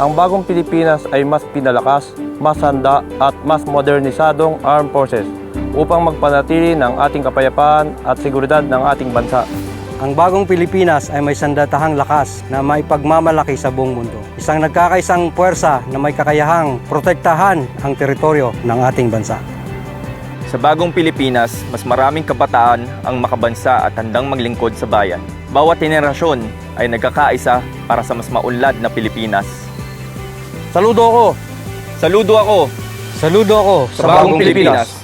Ang bagong Pilipinas ay mas pinalakas, mas handa at mas modernisadong armed forces upang magpanatili ng ating kapayapaan at seguridad ng ating bansa. Ang bagong Pilipinas ay may sandatahang lakas na maipagmamalaki sa buong mundo. Isang nagkakaisang puwersa na may kakayahang protektahan ang teritoryo ng ating bansa. Sa bagong Pilipinas, mas maraming kabataan ang makabansa at handang maglingkod sa bayan. Bawat henerasyon ay nagkakaisa para sa mas maunlad na Pilipinas. Saludo ako! Saludo ako Saludo ako sa bagong Pilipinas!